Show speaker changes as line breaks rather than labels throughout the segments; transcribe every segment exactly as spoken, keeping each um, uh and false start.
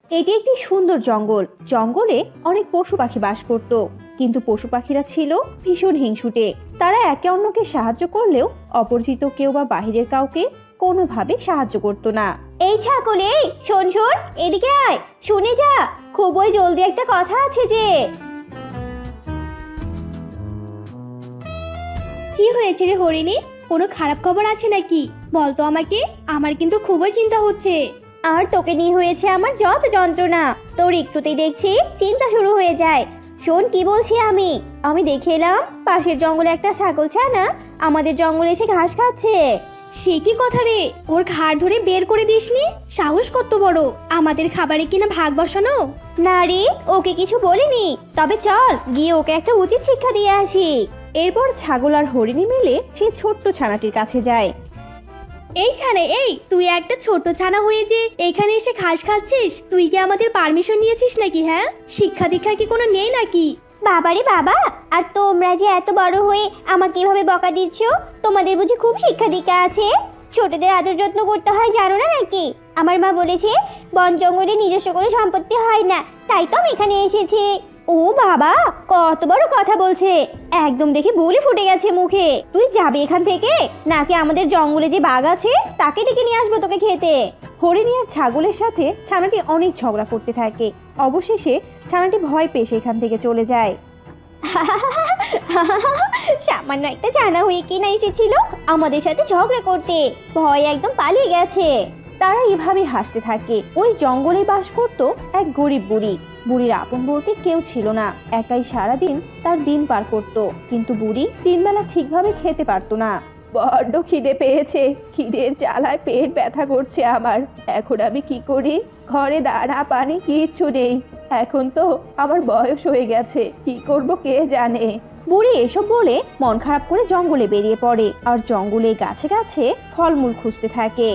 এটি একটি সুন্দর জঙ্গল। জঙ্গলে অনেক পশু পাখি বাস করত, কিন্তু পশু পাখিরা ছিল ভীষণ হিংসুটে। তারা একে অন্যকে সাহায্য করলেও অপরিচিত কেউ বা বাহিরের কাউকে কোনোভাবে সাহায্য করত না। এই ছাগল, এই শোন শোন, এদিকে আয়, শুনে যা, খুবই জলদি একটা কথা আছে যে।
কি হয়েছে রে হরিণী? কোনো খারাপ খবর আছে নাকি? বলতো আমাকে, আমার কিন্তু খুবই চিন্তা হচ্ছে।
আর তোকে নিয়ে হয়েছে আমার যত যন্ত্রণা, তোর একটুতেই দেখছি চিন্তা শুরু হয়ে যায়। শোন কি বলছি আমি আমি দেখে এলাম পাশের জঙ্গলে একটা ছাগল ছানা আমাদের জঙ্গলে এসে ঘাস খাচ্ছে।
সে কি কথা রে? ওর ঘাড় ধরে বের করে দিসনি? সাহস কত বড়, আমাদের খাবারে কিনা ভাগ বসানো?
না রে, ওকে কিছু বলিনি, তবে চল গিয়ে ওকে একটা উচিত শিক্ষা দিয়ে আসি। এরপর ছাগল আর হরিণী মিলে সেই ছোট্ট ছানাটির কাছে যায়।
এই ছানা, এই তুই একটা ছোট ছানা হয়ে যে এখানে এসে ঘাস খাচ্ছিস, তুই কি আমাদের পারমিশন নিয়েছিস নাকি? হ্যাঁ, শিক্ষা দীক্ষা কি কোনো নেই নাকি?
বাবারে বাবা, আর তোমরা যে এত বড় হয়ে আমাকে এভাবে বকা দিচ্ছ, তোমাদের বুঝি খুব শিক্ষা দীক্ষা আছে? ছোটদের আদর যত্ন করতে হয় জানো না নাকি? আমার মা বলেছে বন জঙ্গলে নিজস্ব কোনো সম্পত্তি হয় না, তাই তো আমি এখানে এসেছি। ও বাবা, কত বড় কথা বলছে, একদম দেখে বুলি ফুটে গেছে মুখে। তুই যাবি এখান থেকে, নাকি আমাদের জঙ্গলে যে বাঘ আছে তাকে ডেকে নিয়ে আসবো তোকে খেতে? হরিণী আর ছাগলের সাথে ছানাটি অনেক ঝগড়া করতে থাকে। অবশেষে ছানাটি ভয় পেয়ে সেখান থেকে চলে যায়। সামান্য একটা ছানা হয়ে কিনা এসেছিল আমাদের সাথে ঝগড়া করতে, ভয় একদম পালিয়ে গেছে। তারা এভাবে হাসতে থাকে। ওই জঙ্গলে বাস করত এক গরিব বুড়ি। বুড়ির আপন বলতে কেউ ছিল না, একাই সারাদিন তার দিন পার করত। কিন্তু বুড়ি তিনবেলা ঠিকভাবে খেতে পারতো না। বড্ড খিদে পেয়েছে, খিদের জ্বালায় পেট ব্যথা করছে আমার। এখন আমি কি করি? ঘরে দানা পানি কিচ্ছু নেই। এখন তো আমার বয়স হয়ে গেছে, কি করব কে জানে। বুড়ি এসব বলে মন খারাপ করে জঙ্গলে বেরিয়ে পড়ে আর জঙ্গলে গাছে গাছে ফলমূল খুঁজতে থাকে।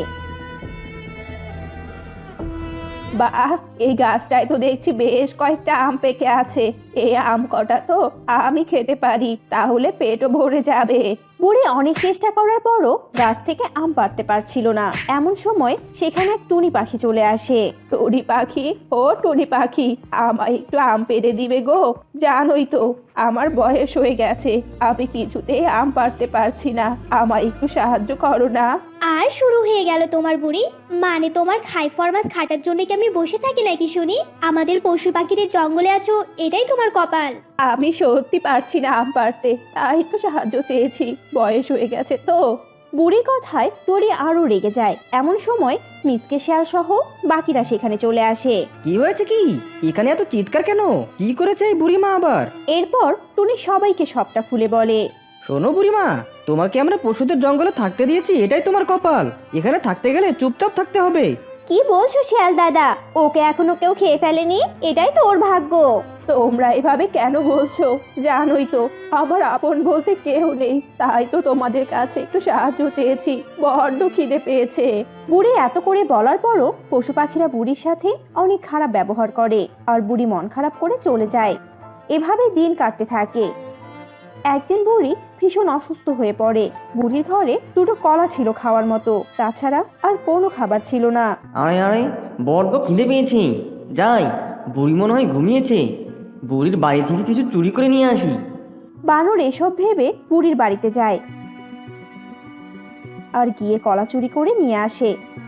বাহ, এই গাছটায় তো দেখছি বেশ কয়েকটা আম পেকে আছে। এই আম কটা তো আমি খেতে পারি, তাহলে পেটও ভরে যাবে। বুড়ি অনেক চেষ্টা করার পরও গাছ থেকে আম পাড়তে পারছিল না। এমন সময় সেখানে এক টুনি পাখি চলে আসে। টুনি পাখি, ও টুনি পাখি, আমায় একটু আম পেড়ে দিবে গো? জানোই তো আমার বয়স হয়ে গেছে, আমি কিছুতেই আম পাড়তে পারছি না, আমায় একটু সাহায্য করো না।
আর শুরু হয়ে গেল তোমার বুড়ি, মানে তোমার খাই ফরমাস খাটার জন্য কি আমি বসে থাকি নাকি শুনি? আমাদের পশু পাখিদের জঙ্গলে আছো, এটাই তোমার কপাল।
আমি সত্যি পারছি না আম পাড়তে, তাই তো সাহায্য চেয়েছি, বয়স হয়ে গেছে তো। বুড়ির কথায় টরি আরো রেগে যায়। এমন সময় মিসকে শিয়াল সহ বাকিরা সেখানে চলে আসে।
কি হয়েছে কি? এখানে এত চিৎকার কেন? কি করেছে এই বুড়িমা আবার?
এরপর টুনি সবাইকে সবটা খুলে বলে।
শোনো বুড়িমা, তোমাকে আমরা পশুদের জঙ্গলে থাকতে দিয়েছি, এটাই তোমার কপাল। এখানে থাকতে গেলে চুপচাপ থাকতে হবে।
কি বলছো শিয়াল দাদা? ওকে এখনো কেউ খেয়ে ফেলেনি, এটাই তো ওর ভাগ্য। তোমরা এভাবে কেন বলছো? জানোই তো আমার আপন বলতে কেউ নেই, তাই তো তোমাদের কাছে একটু সাহায্য চেয়েছি, বড্ড খিদে পেয়েছে। বুড়ি এত করে বলার পরও পশু পাখিরা বুড়ির সাথে অনেক খারাপ ব্যবহার করে আর বুড়ি মন খারাপ করে চলে যায়। এভাবে দিন কাটতে থাকে। একদিন বুড়ি ভীষণ অসুস্থ হয়ে পড়ে। বুড়ির ঘরে দুটো কলা ছিল খাওয়ার মতো, তাছাড়া আর কোনো খাবার ছিল না।
আরে আরে, বড্ড খিদে পেয়েছি, যাই, বুড়ি মনে হয় ঘুমিয়েছে, বুড়ির বাড়ি থেকে কিছু চুরি করে নিয়ে আসি।
বানর এসব ভেবে বুড়ির বাড়িতে যায় আর গিয়ে কলা চুরি করে নিয়ে আসে।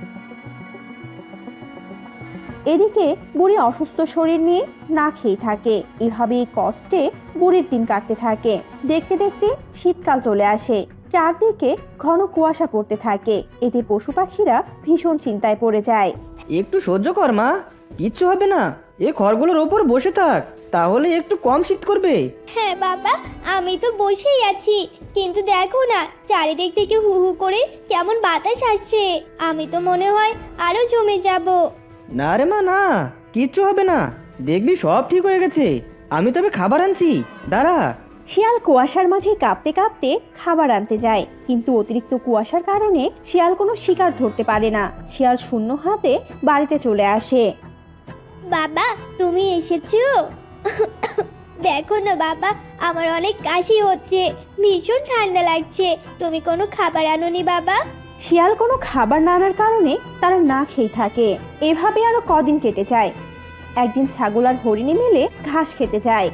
এদিকে বুড়ি অসুস্থ শরীর নিয়ে না খেয়ে থাকে। এভাবে কষ্টে বুড়ির দিন কাটতে থাকে। দেখতে দেখতে শীতকাল চলে আসে, চারদিকে ঘন কুয়াশা পড়তে থাকে। এতে পশু পাখিরা ভীষণ চিন্তায় পড়ে যায়।
একটু সহ্য কর মা, কিচ্ছু হবে না, এ খড়গুলোর ওপর বসে থাক, তাহলে একটু কম শীত করবে।
হ্যাঁ বাবা, আমি তো বসেই আছি, কিন্তু দেখো না চারিদিক থেকে হু হু করে কেমন বাতাস আসছে, আমি তো মনে হয় আরো জমে যাব।
না রে মা, না, কিচ্ছু হবে না, দেখবি সব ঠিক হয়ে গেছে। আমি তবে খাবার আনছি, দাঁড়া।
শিয়াল কুয়াশার মাঝে কাঁপতে কাঁপতে খাবার আনতে যায়, কিন্তু অতিরিক্ত কুয়াশার কারণে শিয়াল কোনো শিকার ধরতে পারে না। শিয়াল শূন্য হাতে বাড়িতে চলে আসে।
বাবা তুমি এসেছো? দেখো না বাবা, আমার অনেক কাশি হচ্ছে, ভীষণ ঠান্ডা লাগছে, তুমি কোনো খাবার আনোনি বাবা?
শিয়াল কোনো খাবার না আনার কারণে তারা না খেয়ে থাকে। এভাবে আরো কদিন কেটে যায়। একদিন ছাগল আর হরিণী মিলে ঘাস খেতে যায়।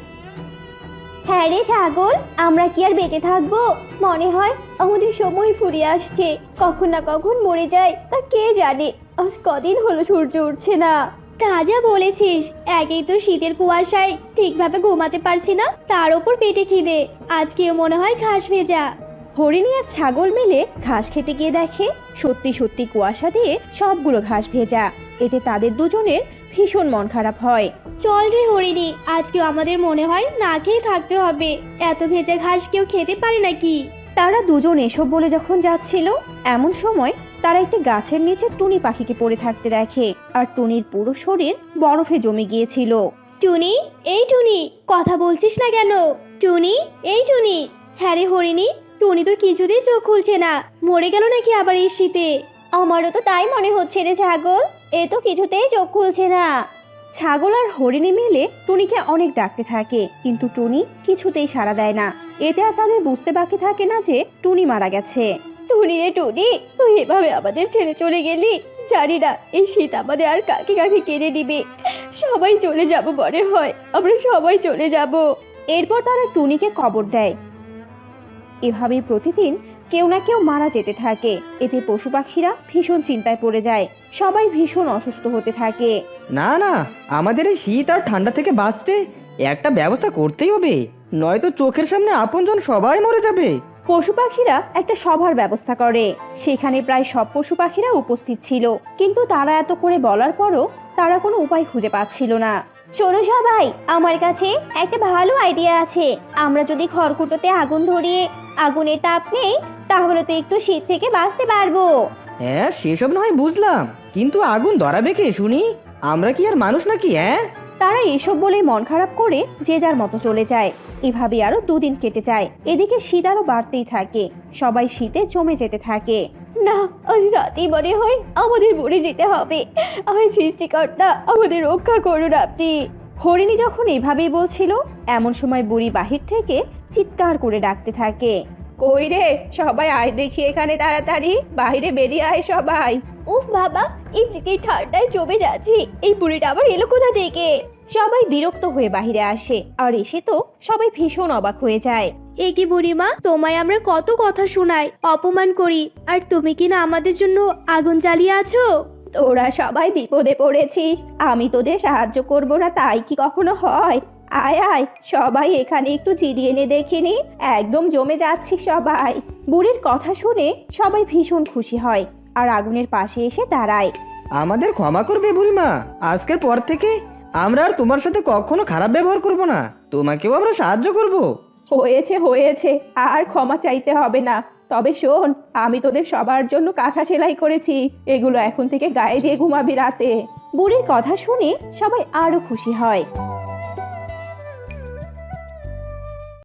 হ্যাঁ রে ছাগল, আমরা কি আর বেঁচে থাকবো? মনে হয় আমাদের সময় ফুরিয়ে আসছে, কখন না কখন মরে যায় তা কে জানে। আজ কদিন হলো সূর্য উঠছে না।
তাজা বলেছিস, একেই তো শীতের কুয়াশায় ঠিকভাবে ঘুমাতে পারছি না, তার ওপর পেটে খিদে, আজকেও মনে হয় ঘাস ভেজা।
হরিণী আর ছাগল মিলে ঘাস খেতে গিয়ে দেখে সত্যি সত্যি কুয়াশা দিয়ে সবগুলো ঘাস ভেজা। এতে তাদের দুজনের ভীষণ মন খারাপ হয়।
চল রে হরিণী, আজকেও আমাদের মনে হয় না খেয়ে থাকতে হবে, এত ভেজা ঘাস কেউ খেতে পারে নাকি?
তারা দুজন এসব বলে যখন যাচ্ছিল, এমন সময় তারা একটি গাছের নিচে টুনি পাখিকে পড়ে থাকতে দেখে, আর টুনির পুরো শরীর বরফে জমে গিয়েছিল।
টুনি, এই টুনি, কথা বলছিস না কেন? টুনি, এই টুনি। হ্যাঁ রে হরিণী, টুনি তো কিছুতেই চোখ খুলছে না, মরে গেল নাকি আবার এই শীতে?
আমারও তো তাই মনে হচ্ছে রে ছাগল, এ তো কিছুতেই চোখ খুলছে না। ছাগল আর হরিণী মিলে টুনিকে অনেক ডাকতে থাকে, কিন্তু টুনি কিছুতেই সাড়া দেয় না। এতে আর তাদের বুঝতে বাকি থাকে না যে টুনি মারা গেছে। টুনি রে টুনি, তুই এভাবে আমাদের ছেড়ে চলে গেলি, জানি না এই শীত আমাদের আর কাকে কাকে কেড়ে নিবে। সবাই চলে যাব মনে হয়, আমরা সবাই চলে যাব। এরপর তারা টুনিকে কবর দেয়। এভাবেই প্রতিদিন কেউ না কেউ মারা যেতে থাকে। এতে পশু পাখিরা ভীষণ চিন্তায় পড়ে যায়, সবাই ভীষণ অসুস্থ হতে থাকে।
না না, আমাদের এই শীত আর ঠান্ডা থেকে বাঁচতে একটা ব্যবস্থা করতেই হবে, নয়তো চোখের সামনে আপনজন সবাই মরে যাবে।
পশু পাখিরা একটা সভার ব্যবস্থা করে। সেখানে প্রায় সব পশু পাখিরা উপস্থিত ছিল, কিন্তু তারা এত করে বলার পরও তারা কোনো উপায় খুঁজে পাচ্ছিল না। শোনো সবাই, আমার কাছে একটা ভালো আইডিয়া আছে। আমরা যদি খড়কুটোতে আগুন ধরিয়ে আগুনের তাপ নেই, তাহলে তো একটু শীত থেকে বাঁচতে পারবো।
হ্যাঁ, সেসব না হয় বুঝলাম, কিন্তু আগুন ধরাবে কে শুনি? আমরা কি আর মানুষ নাকি? হ্যাঁ,
তারা এসব বলে মন খারাপ করে যে যার মতো চলে যায়। এভাবে আরো দুদিন কেটে যায়। এদিকে শীত আরো বাড়তেই থাকে, সবাই শীতে জমে যেতে থাকে। না, আজ রাতেই মনে হয় আমাদের মরে যেতে হবে। আমি সৃষ্টিকর্তা, আমাদের রক্ষা করুন আপনি। হরিণী যখন এভাবেই বলছিল, এমন সময় বুড়ি বাহির থেকে চিৎকার করে ডাকতে থাকে, কই রে সবাই, আয় দেখি এখানে তাড়াতাড়ি, বাইরে বেরিয়ে আয় সবাই। উফ বাবা, এমনিতেই ঠান্ডায় জমে যাচ্ছি, এই বুড়িটা আবার এলো কোথা থেকে? সবাই বিরক্ত হয়ে বাহিরে আসে, আর এসে তো সবাই ভীষণ অবাক হয়ে যায়।
এ কি বুড়িমা, তোমায় আমরা কত কথা শোনাই, অপমান করি, আর তুমি কি না আমাদের জন্য আগুন জ্বালিয়ে আছো?
তোরা সবাই বিপদে পড়েছিস, আমি তোদের সাহায্য করব না তাই কি কখনো হয়? আয় আয় সবাই এখানে একটু জিরিয়ে নে দেখিনি, একদম জমে যাচ্ছি সবাই। বুড়ির কথা শুনে সবাই ভীষণ খুশি হয়, আর আগুনের পাশে এসে দাঁড়ায়।
আমাদের ক্ষমা করবে বুড়িমা, আজকের পর থেকে আমরা আর তোমার সাথে কখনো খারাপ ব্যবহার করব না, তোমাকেও আমরা সাহায্য করব।
হয়েছে হয়েছে, আর ক্ষমা চাইতে হবে না। তবে শোন, আমি তোদের সবার জন্য কাঁথা সেলাই করেছি, এগুলো এখন থেকে গায়ে দিয়ে ঘুমাবি রাতে। বুড়ির কথা শুনে সবাই আরো খুশি হয়।